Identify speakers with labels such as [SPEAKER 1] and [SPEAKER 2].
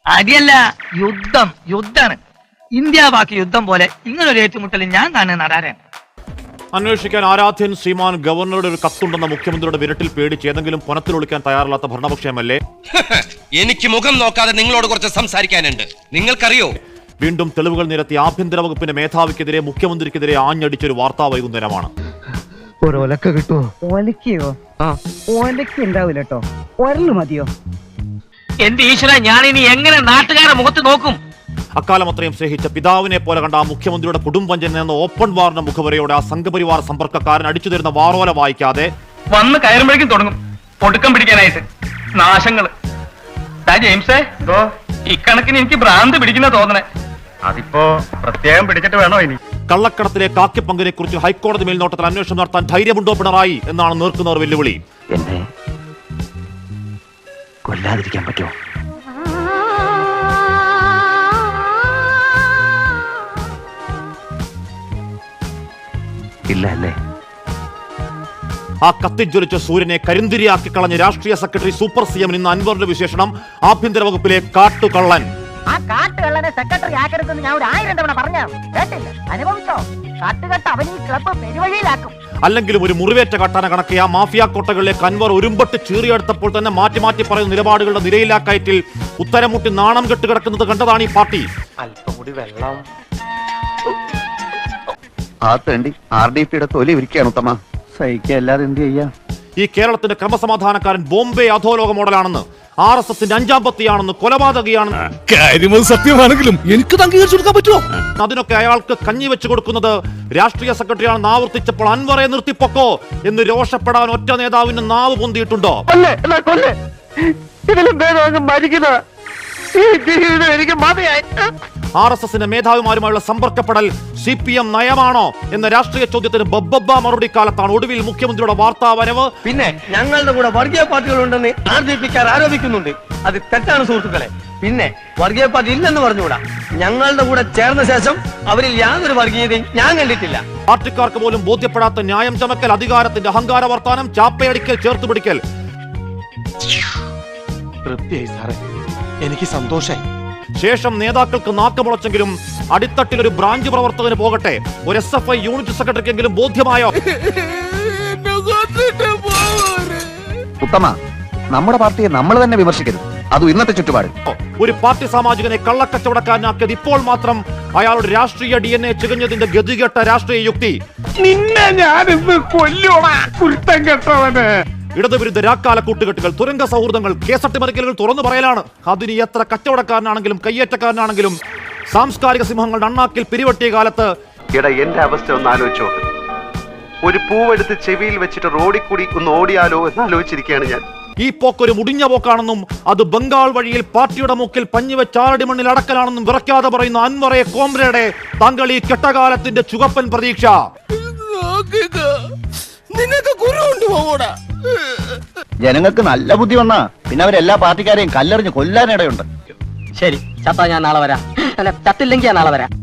[SPEAKER 1] അടിയല്ല, യുദ്ധാണ്. India Pak യുദ്ധം പോലെ ഇങ്ങനൊരു ഏറ്റുമുട്ടൽ ഞാൻ തന്നെ നടാരൻ.
[SPEAKER 2] അന്വേഷിക്കാൻ ആരാധ്യൻ ശ്രീമാൻ ഗവർണറുടെ ഒരു കത്തുണ്ടെന്ന മുഖ്യമന്ത്രിയുടെ വിരട്ടിൽ പേടിച്ച് ഏതെങ്കിലും പുനത്തിൽ തയ്യാറല്ലാത്ത ഭരണപക്ഷ എംഎൽഎ.
[SPEAKER 3] എനിക്ക് മുഖം നോക്കാതെ നിങ്ങളോട് കുറച്ച് സംസാരിക്കാനുണ്ട്. നിങ്ങൾക്കറിയോ,
[SPEAKER 2] വീണ്ടും തെളിവുകൾ നിരത്തി ആഭ്യന്തര വകുപ്പിന്റെ മേധാവിക്കെതിരെ മുഖ്യമന്ത്രിക്കെതിരെ ആഞ്ഞടിച്ചൊരു വാർത്താ വൈകുന്നേരമാണ്.
[SPEAKER 4] ഒലക്ക കിട്ടുമോ? ഒലക്കയോ? ഒലക്ക ഉണ്ടാവില്ല കേട്ടോ, ഒരല് മതിയോ?
[SPEAKER 1] എന്റെ ഈശ്വര, ഞാൻ ഇനി എങ്ങനെ നാട്ടുകാരെ മുഖത്ത് നോക്കും?
[SPEAKER 2] അക്കാലം അത്രയും സ്നേഹിച്ച പിതാവിനെ പോലെ കണ്ട ആ മുഖ്യമന്ത്രിയുടെ കുടുംബം എന്ന ഓപ്പൺ വാറിന്റെ മുഖവരയോടെ ആ സംഘപരിവാർ സമ്പർക്കക്കാരൻ അടിച്ചു തരുന്ന വാറോല വായിക്കാതെ
[SPEAKER 1] വന്ന് കയറുമ്പോഴേക്കും തുടങ്ങും ഒടുക്കം പിടിക്കാനായിട്ട് നാശങ്ങള്. ജെയിംസേ, ഇക്കണക്കിന് എനിക്ക് ഭ്രാന്ത് പിടിക്കുന്ന തോന്നണേ. അതിപ്പോ പ്രത്യേകം പിടിച്ചിട്ട് വേണോ ഇനി?
[SPEAKER 2] കള്ളക്കടത്തിലെ കാക്കിപ്പങ്കിനെ കുറിച്ച് ഹൈക്കോടതി മേൽനോട്ടത്തിൽ അന്വേഷണം നടത്താൻ ധൈര്യമുണ്ടോ പിണറായി എന്നാണ് നേർക്കുന്നവർ വെല്ലുവിളി.
[SPEAKER 4] എന്നെ കൊല്ലാതിരിക്കാൻ പറ്റുമോ? ഇല്ല അല്ലേ?
[SPEAKER 2] ആ കത്തിജ്വലിച്ച സൂര്യനെ കരിന്തിരിയാക്കി കളഞ്ഞ രാഷ്ട്രീയ സെക്രട്ടറി സൂപ്പർ സിഎം ഇന്ന് അൻവറിന്റെ വിശേഷണം ആഭ്യന്തര വകുപ്പിലെ കാട്ടുകള്ളൻ.
[SPEAKER 5] ആ കാട്ടുകള്ളനെ സെക്രട്ടറി ആക്കരുതെന്ന് ഞാൻ 1000 തവണ പറഞ്ഞു കേട്ടില്ല. അനുഭവിച്ചോ? കാട്ടുകെട്ട് അവൻ ഈ ക്ലബ്ബ് പെരുവഴിയിലാക്കും.
[SPEAKER 2] അല്ലെങ്കിലും ഒരു മുറിവേറ്റ കട്ടാന കണക്കെ ആ മാഫിയ കോട്ടകളിലേക്ക് അൻവർ ഒരുമ്പട്ട് ചീറിയെടുത്തപ്പോൾ തന്നെ മാറ്റി മാറ്റി പറയുന്ന നിലപാടുകളുടെ നിരയിലാക്കയറ്റിൽ ഉത്തരം മുട്ടി നാണം കെട്ട് കിടക്കുന്നത് കണ്ടതാണ് ഈ പാർട്ടി.
[SPEAKER 6] അല്പം കൂടി വെള്ളം.
[SPEAKER 4] ആ തേണ്ടി RDPയുടെ തൊലി ഇരിക്കുകയാണ് ഉത്തമ. സഹിക്കല്ലാതെ എന്ത് ചെയ്യാ?
[SPEAKER 2] ഈ കേരളത്തിന്റെ ക്രമസമാധാനക്കാരൻ ബോംബെ അധോലോക മോഡലാണെന്ന്, RSSന്റെ 5ാം പത്തിയാണെന്ന്, കൊലപാതകയാണെന്ന്
[SPEAKER 7] കാര്യം സത്യമാണെങ്കിലും എനിക്ക് അംഗീകരിച്ചു കൊടുക്കാൻ പറ്റുമോ?
[SPEAKER 2] അതിനൊക്കെ അയാൾക്ക് കഞ്ഞി വെച്ച് കൊടുക്കുന്നത് രാഷ്ട്രീയ സെക്രട്ടറിയാണെന്ന് ആവർത്തിച്ചപ്പോൾ അൻവറെ നിർത്തിപ്പൊക്കോ എന്ന് രോഷപ്പെടാൻ ഒറ്റ നേതാവിന് നാവ് പൊന്തിയിട്ടുണ്ടോ? RSSന്റെ മേധാവിമാരുമായുള്ള സമ്പർക്കപ്പെടൽ CPM നയമാണോ എന്ന രാഷ്ട്രീയ ചോദ്യത്തിന് ബബ്ബ മറുപടി കാലത്താണ് ഒടുവിൽ മുഖ്യമന്ത്രിയുടെ വാർത്താ വരവ്.
[SPEAKER 6] പിന്നെ ഞങ്ങളുടെ കൂടെ വർഗീയ പാർട്ടികളുണ്ടെന്ന് RDPക്കാർ ആരോപിക്കുന്നുണ്ട്. അത് തെറ്റാണ് സുഹൃത്തുക്കളെ. പിന്നെ വർഗീയ പാർട്ടി ഇല്ലെന്ന് പറഞ്ഞുകൂടാ. ഞങ്ങളുടെ കൂടെ ചേർന്ന ശേഷം അവരിൽ യാതൊരു വർഗീയതയും ഞാൻ കണ്ടിട്ടില്ല.
[SPEAKER 2] പാർട്ടിക്കാർക്ക് പോലും ബോധ്യപ്പെടാത്ത ന്യായം ചമക്കൽ, അധികാരത്തിന്റെ അഹങ്കാര വർത്താനം, ചാപ്പയടിക്കൽ, ചേർത്തുപിടിക്കൽ.
[SPEAKER 6] തൃപ്തിയായി സാറേ, എനിക്ക് സന്തോഷായി.
[SPEAKER 2] ശേഷം നേതാക്കൾക്ക് നാക്കമുളച്ചെങ്കിലും അടിത്തട്ടിൽ ഒരു ബ്രാഞ്ച് പ്രവർത്തകന് പോകട്ടെ, ഒരു SFI യൂണിറ്റ് സെക്രട്ടറിക്കെങ്കിലും ബോധ്യമായോ?
[SPEAKER 4] ഉത്തമ, നമ്മുടെ പാർട്ടിയെ നമ്മൾ തന്നെ വിമർശിക്കരുത്, അതും ഇന്നത്തെ ചുറ്റുപാട്.
[SPEAKER 2] ഒരു പാർട്ടി സാമാജികനെ കള്ളക്കച്ചവടക്കാരനാക്കിയത് ഇപ്പോൾ മാത്രം അയാളുടെ രാഷ്ട്രീയ DNA ചികഞ്ഞതിന്റെ ഗതികെട്ട രാഷ്ട്രീയ യുക്തി.
[SPEAKER 6] നിന്നെ ഞാനിന്ന് കൊല്ലുവാ കുരുത്തം കെട്ടവന്.
[SPEAKER 2] ഇടതുവിരുദ്ധ രാക്കാല കൂട്ടുകെട്ടുകൾ, തുരങ്ക സൗഹൃദങ്ങൾ, കേസട്ടിമറിക്കലുകൾ തുറന്നു പറയലാണ്. അതിന് എത്ര കച്ചവടക്കാരനാണെങ്കിലും കയ്യേറ്റക്കാരനാണെങ്കിലും സാംസ്കാരിക സിംഹങ്ങളുടെ അണ്ണാക്കിൽ പിരിവട്ടിയ കാലത്ത്
[SPEAKER 8] എന്റെ അവസ്ഥ ഒന്ന് ആലോചിച്ചോ. ഒരു പൂവെടുത്ത് ചെവിയിൽ വെച്ചിട്ട് റോഡിൽ കൂടി ഒന്ന് ഓടിയാലോ എന്ന് ആലോചിച്ചിരിക്കുകയാണ് ഞാൻ.
[SPEAKER 2] ഈ പോക്കൊരു മുടിഞ്ഞ പോക്കാണെന്നും അത് ബംഗാൾ വഴിയിൽ പാർട്ടിയുടെ മുക്കിൽ പഞ്ഞുവെച്ച് ആറടി മണ്ണിൽ അടക്കലാണെന്നും വിറയ്ക്കാതെ പറയുന്ന അൻവറെ കോമ്രേഡെ, താങ്കൾ ഈ കെട്ടകാലത്തിന്റെ ചുവപ്പൻ പ്രതീക്ഷ.
[SPEAKER 4] ജനങ്ങൾക്ക് നല്ല ബുദ്ധി വന്നാ പിന്നെ അവരെല്ലാ പാർട്ടിക്കാരെയും കല്ലെറിഞ്ഞ് കൊല്ലാനിടയുണ്ട്.
[SPEAKER 5] ശരി, ചത്താ ഞാൻ നാളെ വരാം. അല്ല, ചത്തില്ലെങ്കിൽ ഞാൻ നാളെ വരാം.